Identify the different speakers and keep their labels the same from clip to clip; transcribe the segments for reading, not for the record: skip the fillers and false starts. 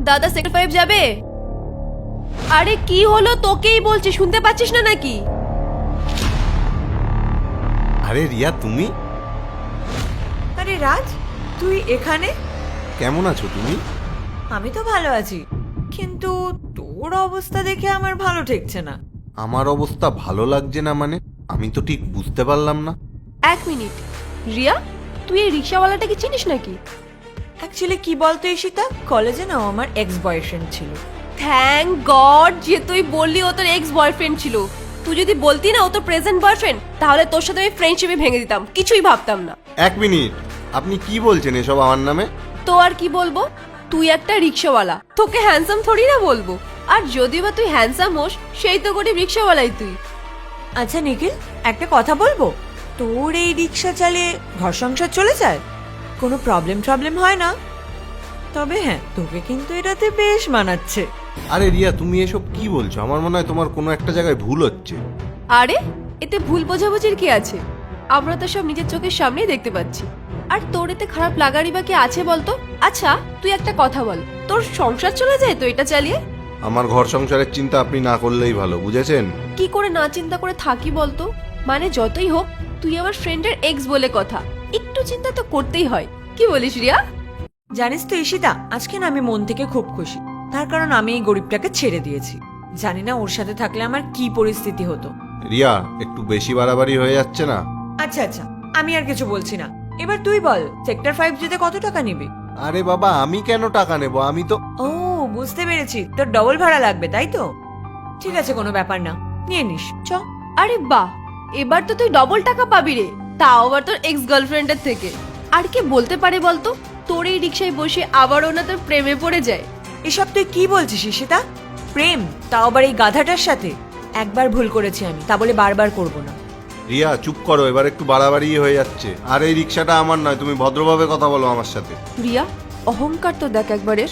Speaker 1: দাদা সেক্টর 5 যাবে? আরে কি হলো, তোকেই বলছি, শুনতে পাচ্ছিস না নাকি?
Speaker 2: আরে রিয়া তুমি?
Speaker 3: আরে রাজ, তুই এখানে?
Speaker 2: কেমন আছো তুমি?
Speaker 3: আমি তো ভালো আছি, কিন্তু তোর অবস্থা দেখে আমার ভালো ঠেকছে না।
Speaker 2: আমার অবস্থা ভালো লাগছে না মানে? আমি তো ঠিক বুঝতে পারলাম না।
Speaker 1: এক মিনিট, রিয়া তুই এই রিক্সাওয়ালাটাকে চিনিস নাকি?
Speaker 3: অ্যাকচুয়ালি কি বলতো ঈশিতা, কলেজে না ও আমার এক্স বয়ফ্রেন্ড ছিল।
Speaker 1: থ্যাংক গড যে তুই বললি ও তোর এক্স বয়ফ্রেন্ড ছিল। তুই যদি বলতি না ও তোর প্রেজেন্ট বয়ফ্রেন্ড, তাহলে তোর সাথে আমি ফ্রেন্ডশিপে ভেঙে দিতাম, কিছুই ভাবতাম না।
Speaker 2: এক মিনিট, আপনি কি বলছেন এসব আমার নামে?
Speaker 1: তো আর কি বলবো, তুই একটা রিক্সাওয়ালা, তোকে হ্যান্ডসাম থোড়ি না বলবো। আর যদিও বা তুই হ্যান্ডসাম হোস, সেই তো গরিব রিক্সাওয়ালাই তুই।
Speaker 3: আচ্ছা নিখিল, একটা কথা বলবো, তোর এই রিক্সা চালিয়ে ঘর সংসার চলে যায়? কোনো প্রবলেম হয় না? তবে হ্যাঁ, তোকে কিন্তু এটাতে বেশ মানাচ্ছে।
Speaker 2: আরে রিয়া তুমি এসব কি বলছো? আমার মনে হয় তোমার কোনো একটা জায়গায় ভুল হচ্ছে।
Speaker 1: আরে এতে ভুল বোঝাবুঝির কি আছে? আমরা তো সব নিজের চোখের সামনেই দেখতে পাচ্ছি। আর তোর এতে খারাপ লাগারই বা কি আছে বলতো? আচ্ছা তুই একটা কথা বল, তোর সংসার চলে যায় তো এটা চালিয়ে?
Speaker 2: আমার ঘর সংসারের চিন্তা আপনি না করলেই ভালো, বুঝেছেন?
Speaker 1: কি করে না চিন্তা করে থাকি বলতো? মানে যতই হোক তুই আমার ফ্রেন্ডের এক্স বলে কথা, একটু চিন্তা তো করতেই হয়। কি বলিস রিয়া?
Speaker 3: জানিস তো ঈশিতা, আজকে না আমি মন থেকে খুব খুশি, তার কারণ আমি এই গরিবটাকে ছেড়ে দিয়েছি। জানি না ওর সাথে থাকলে আমার কি পরিস্থিতি হতো।
Speaker 2: রিয়া একটু বেশি বাড়াবাড়ি হয়ে যাচ্ছে না?
Speaker 3: আচ্ছা আচ্ছা, আমি আর কিছু বলছি না, এবার তুই বল সেক্টর 5 যেতে কত টাকা নিবি?
Speaker 2: আরে বাবা আমি কেন টাকা নেব, আমি তো...
Speaker 3: ও বুঝতে পেরেছি, তোর ডবল ভাড়া লাগবে তাই তো? ঠিক আছে, কোনো ব্যাপার না, নিয়ে নিস চ।
Speaker 1: আরে বাহ, এবার তো তুই ডবল টাকা পাবি রে, তাও আবার তোর এক্স গার্লফ্রেন্ডের থেকে। আর কে বলতে পারে বলতো তোর এই রিক্সায় বসে আবারও না তোর প্রেমে পড়ে যায়?
Speaker 3: এসব তুই কি বলছিস ঈশিতা? প্রেম, তাও আবার এই গাধাটার সাথে? একবার ভুল করেছি আমি, তা বলে বারবার করব না।
Speaker 2: রিয়া চুপ করো, এবার একটু বাড়াবাড়ি হয়ে যাচ্ছে। আর এই রিক্সাটা আমার নয়, তুমি ভদ্রভাবে কথা বলো আমার সাথে।
Speaker 1: রিয়া অহংকার তো দেখ একবারের।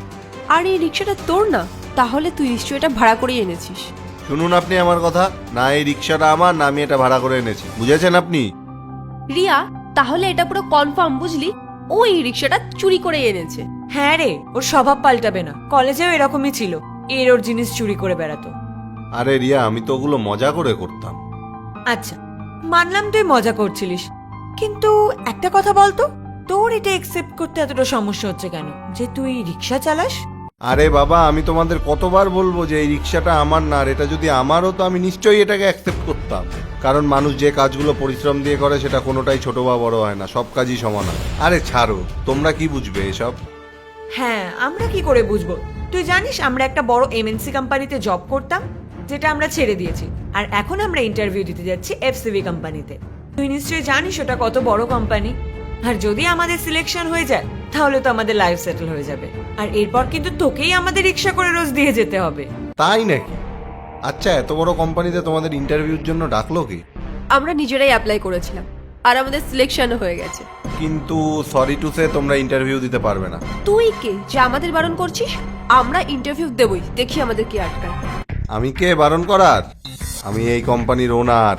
Speaker 1: আর এই রিক্সাটা তোর না, তাহলে তুই নিশ্চয়ই এটা ভাড়া করে এনেছিস।
Speaker 2: শুনুন আপনি আমার কথা, না এই রিক্সাটা আমার, না আমি এটা ভাড়া করে এনেছি, বুঝেছেন আপনি?
Speaker 1: রিয়া তাহলে এটা পুরো কনফার্ম বুঝলি, ও এই রিক্সাটা চুরি করে এনেছে।
Speaker 3: হ্যাঁ রে, ওর স্বভাব পাল্টাবে না, কলেজেও এরকমই ছিল, ওর জিনিস চুরি করে বেড়াতো।
Speaker 2: আরে রিয়া আমি তো ওগুলো মজা করে করতাম।
Speaker 3: আচ্ছা মানলাম তুই মজা করছিলিস, কিন্তু একটা কথা বলতো, তোর এটা একসেপ্ট করতে এতটা সমস্যা হচ্ছে কেন যে তুই রিক্সা চালাস?
Speaker 2: আরে বাবা আমি তোমাদের কতবার বলবো যে এই রিক্সাটা আমার না, আর এটা যদি আমার হতো আমি নিশ্চয়ই এটাকে অ্যাকসেপ্ট করতাম। কারণ মানুষ যে কাজগুলো পরিশ্রম দিয়ে করে সেটা কোনোটাই ছোট বা বড় হয় না, সব কাজই সমান হয়। আরে ছাড়ো, তোমরা কি বুঝবে এসব?
Speaker 3: হ্যাঁ, আমরা কি করে বুঝবো? তুই জানিস আমরা একটা বড় এমএনসি কোম্পানিতে জব করতাম, যেটা আমরা ছেড়ে দিয়েছি, আর এখন আমরা ইন্টারভিউ দিতে যাচ্ছি এফসিবি কোম্পানিতে। তুই নিশ্চয়ই জানিস ওটা কত বড় কোম্পানি। আর যদি আমাদের সিলেকশন হয়ে যায় তাহলে তো আমাদের লাইফ সেটেল হয়ে যাবে, আর এরপর কিন্তু তোকেই আমাদের রিক্সা করে রোজ দিয়ে যেতে হবে।
Speaker 2: তাই নাকি? আচ্ছা এত বড় কোম্পানিতে তোমাদের ইন্টারভিউর জন্য ডাকলো কি?
Speaker 1: আমরা নিজেরাই অ্যাপ্লাই করেছিলাম, আর আমাদের সিলেকশনও হয়ে গেছে।
Speaker 2: কিন্তু সরি টু সে তোমরা ইন্টারভিউ দিতে পারবে না।
Speaker 1: তুই কে যে আমাদের বারণ করছিস? আমরা ইন্টারভিউ দেবই, দেখি আমাদের কি আটকায়।
Speaker 2: আমি কে বারণ করার? আমি এই কোম্পানির ওনার,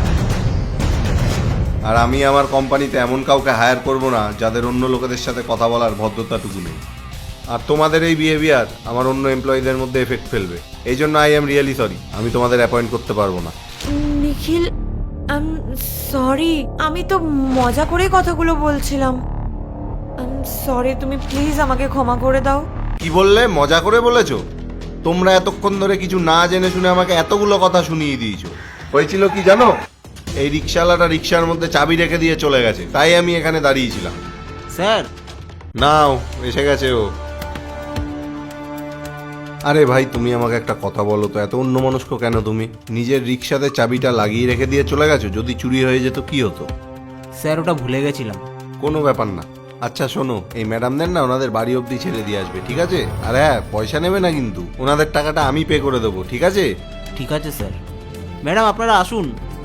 Speaker 2: আর আমি আমার কোম্পানিতে এমন কাউকে হায়ার করব না যাদের অন্য লোকেদের সাথে কথা বলার ভদ্রতাটুকু নেই। আর তোমাদের এই বিহেভিয়ার আমার অন্য এমপ্লয়ীদের মধ্যে এফেক্ট ফেলবে, এই জন্য আই এম রিয়েলি সরি, আমি তোমাদের অ্যাপয়েন্ট করতে পারবো না।
Speaker 3: নিখিল, সরি, আমি তো মজা করে কথাগুলো বলছিলাম। সরি, তুমি প্লিজ আমাকে ক্ষমা করে দাও।
Speaker 2: কি বললে? মজা করে বলেছো? তোমরা এতক্ষণ ধরে কিছু না জেনে শুনে আমাকে এতগুলো কথা শুনিয়ে দিয়েছো। হয়েছিল কি জানো? এই রিক্সাওয়ালাটা রিক্সার মধ্যে চাবি রেখে দিয়ে চলে গেছে, তাই আমি এখানে দাঁড়িয়েছিলাম।
Speaker 4: স্যার
Speaker 2: নাও এসে গেছে ও। আরে ভাই তুমি আমাকে একটা কথা বলো তো, এত অন্যমনস্ক কেন তুমি? নিজের রিক্সাতে চাবিটা লাগিয়ে রেখে দিয়ে চলে গেছো, যদি চুরি হয়ে যেত কি হতো?
Speaker 4: স্যার ওটা ভুলে গেছিলাম।
Speaker 2: কোনো ব্যাপার না। আচ্ছা শোনো, এই ম্যাডামদের না ওনাদের বাড়ি অবধি ছেড়ে দিয়ে আসবে, ঠিক আছে? আর হ্যাঁ, পয়সা নেবে না কিন্তু, ওনাদের টাকাটা আমি পে করে দেবো, ঠিক আছে?
Speaker 4: ঠিক আছে স্যার। ম্যাডাম আপনারা আসুন,